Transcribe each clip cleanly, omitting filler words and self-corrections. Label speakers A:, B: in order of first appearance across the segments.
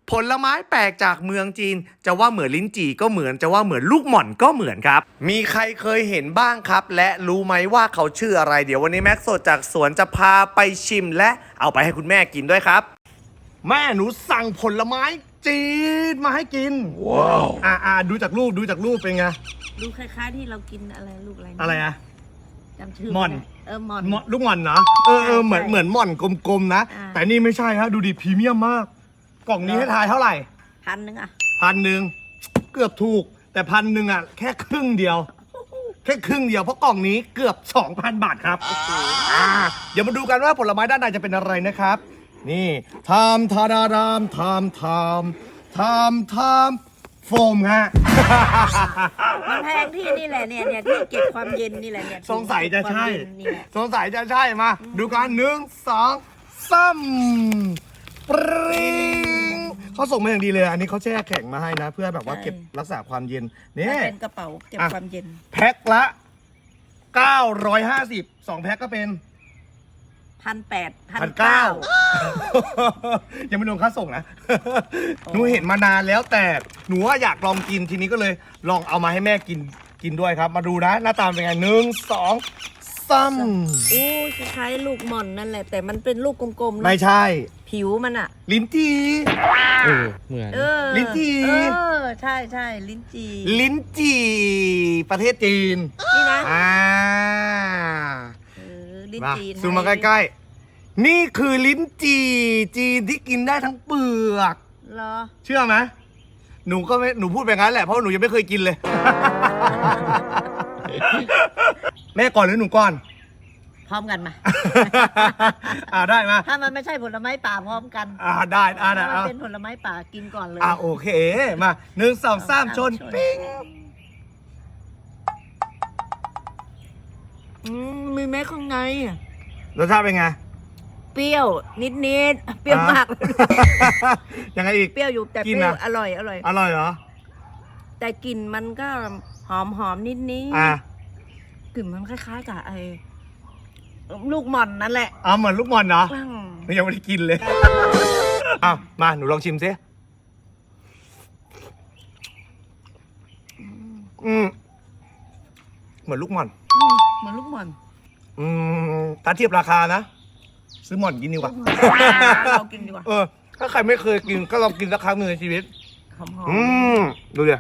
A: ผลไม้แปลกจากเมืองจีนจะว่าเหมือนลิ้นจี่ก็เหมือนจะว่าเหมือนลูกหม่อนก็เหมือนครับมีใครเคยเห็นบ้างครับและรู้ไหมว่าเขาชื่ออะไรเดี๋ยววันนี้แม็กซ์สดจากสวนจะพาไปชิมและเอาไปให้คุณแม่กินด้วยครับแม่หนูสั่งผลไม้จีนมาให้กินว้าวดูจากรูปเป็นไง
B: ดูคล้ายๆที่เรากินอะไรลูกอะไร
A: อะไรอะ
B: จำชื่อ
A: ม่อน
B: ม่อน
A: ลูกม่อนนะเหมือนม่อนกลมๆนะแต่นี่ไม่ใช่ฮะดูดิพรีเมียมมากกล่องนี้ให้ทายเท่าไหร่
B: 1,000อ่ะ
A: 1,000เกือบถูกแต่1,000อ่ะแค่ครึ่งเดียวเพราะกล่องนี้เกือบ 2,000 บาทครับเดี๋ยวมาดูกันว่าผลไม้ด้านในจะเป็นอะไรนะครับนี่ทำโฟมฮะ
B: มันแพงที่นี่แหละเนี่ยที่เก็บความเย็นนี่แหละเนี่ย
A: สงสัยจะใช่มาดูกัน1 2 3ปริงเขาส่งมาอย่างดีเลยอันนี้เขาแช่แข็งมาให้นะเพื่อแบบว่าเก็บรักษาความเย็นนี่
B: เป็นกระเป๋าเก็บความเย็น
A: แพ็คละ950 2แพ็คก็เป็น
B: 1,900
A: ยังไม่รวมค่าส่งนะหนูเห็นมานานแล้วแต่หนูว่าอยากลองกินทีนี้ก็เลยลองเอามาให้แม่กินด้วยครับมาดูนะหน้าตาเป็นไง1 2 3
B: โอ้ยคล้ายๆลูกหม่อนนั่นแหละแต่มันเป็นลูกกลมๆ
A: ไม่ใช่
B: ผิวมันอะ
A: ลิ้นจี่
C: เหมือน
A: ลิ้นจี่
B: ใช่ลิ้น
A: จี่ประเทศจีน
B: นี่นะ
A: ลิ้นจี่ซูมมาใกล้ๆนี่คือลิ้นจี่จีนที่กินได้ทั้งเปลือก
B: เหรอ
A: เชื่อไหมหนูพูดไปงั้นแหละเพราะหนูยังไม่เคยกินเลยแม่ก่อนหรือหนูก่อน
B: พร้อมกันมา
A: ได้มา
B: ถ้ามันไม่ใช่ผลไม้ป่าพร้อมกัน
A: ได้
B: ถ้ามันเป็นผลไม้ป่ากินก่อนเลย
A: โอเคมา1 2 3ชนปิ้ง
B: มีแม้ข้างใน
A: รสชาติเป็นไง
B: เปรี้ยวนิดเปรี้ยวมาก
A: ยังไงอีก
B: เปรี้ยวอยู่แต่เปรี้ยวอร่อย
A: เหรอ
B: แต่กลิ่นมันก็หอมนิดกลิ่นมันคล้ายๆกับไอ้ลูกหม่อนนั่นแหละ
A: เหมือนลูกหม่อนเนาะยังไม่ได้กินเลยมาหนูลองชิมซิเหมือนลูกหม่อนถ้าเทียบราคานะซื้อหม่อนกินดีกว่า
B: เรากินดีกว่า
A: ถ้าใครไม่เคยกินก็ลองกินสักครั้งหนึ่งในชีวิต
B: หอม
A: ดูดิ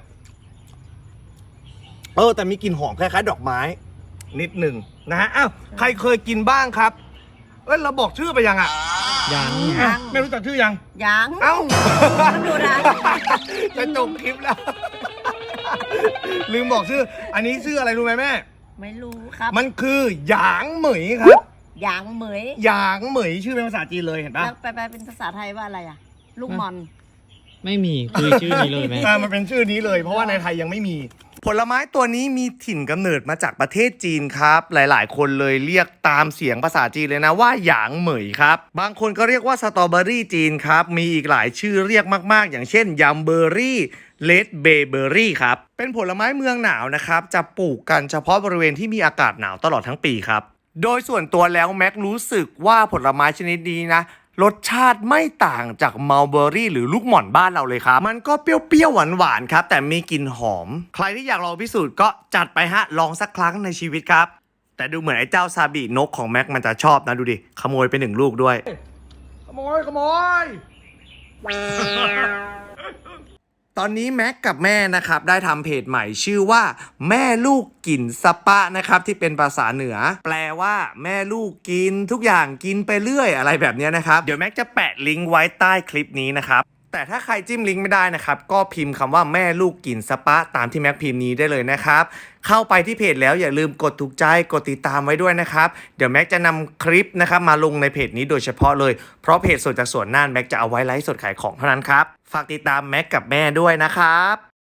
A: แต่มีกลิ่นหอมคล้ายๆดอกไม้นิดหนึ่งนะฮะใครเคยกินบ้างครับเราบอกชื่อไปยัง
C: ยัง
A: ไม่รู้จักชื่อยัง
B: ดูนะ
A: จะจบคลิปแล้วลืมบอกชื่ออันนี้ชื่ออะไรรู้ไหมแม่
B: ไม่รู้ครับ
A: มันคือหยางเหมยครับ
B: หยางเหมย
A: ชื่อเป็นภาษาจีนเลยเห็นปะ
B: แล้วไปเป็นภาษาไทยว่าอะไรลูกมอน
C: ไม่มีคือชื่อนี้เลยไหม
A: มันเป็นชื่อนี้เลยเพราะว่าในไทยยังไม่มีผลไม้ตัวนี้มีถิ่นกำเนิดมาจากประเทศจีนครับหลายๆคนเลยเรียกตามเสียงภาษาจีนเลยนะว่าหยางเหมยครับบางคนก็เรียกว่าสตรอเบอรี่จีนครับมีอีกหลายชื่อเรียกมากๆอย่างเช่นยัมเบอรี่เลดเบเบอรี่ครับเป็นผลไม้เมืองหนาวนะครับจะปลูกกันเฉพาะบริเวณที่มีอากาศหนาวตลอดทั้งปีครับโดยส่วนตัวแล้วแม็กรู้สึกว่าผลไม้ชนิดนี้นะรสชาติไม่ต่างจากมัลเบอรี่หรือลูกหม่อนบ้านเราเลยครับมันก็เปรี้ยวๆหวานๆครับแต่มีกลิ่นหอมใครที่อยากลองพิสูจน์ก็จัดไปฮะลองสักครั้งในชีวิตครับแต่ดูเหมือนไอ้เจ้าซาบินกของแม็กมันจะชอบนะดูดิขโมยไป1 ลูกด้วยขโมยตอนนี้แม็กกับแม่นะครับได้ทำเพจใหม่ชื่อว่าแม่ลูกกินสปะนะครับที่เป็นภาษาเหนือแปลว่าแม่ลูกกินทุกอย่างกินไปเรื่อยอะไรแบบนี้นะครับเดี๋ยวแม็กจะแปะลิงก์ไว้ใต้คลิปนี้นะครับแต่ถ้าใครจิ้มลิงก์ไม่ได้นะครับก็พิมพ์คำว่าแม่ลูกกินสปะตามที่แม็กพิมพ์นี้ได้เลยนะครับเข้าไปที่เพจแล้วอย่าลืมกดถูกใจกดติดตามไว้ด้วยนะครับเดี๋ยวแม็กจะนำคลิปนะครับมาลงในเพจนี้โดยเฉพาะเลยเพราะเพจสดจากสวนน่านแม็กจะเอาไว้ไลฟ์สดขายของเท่านั้นครับฝากติดตามแม็กกับแม่ด้วยนะครับ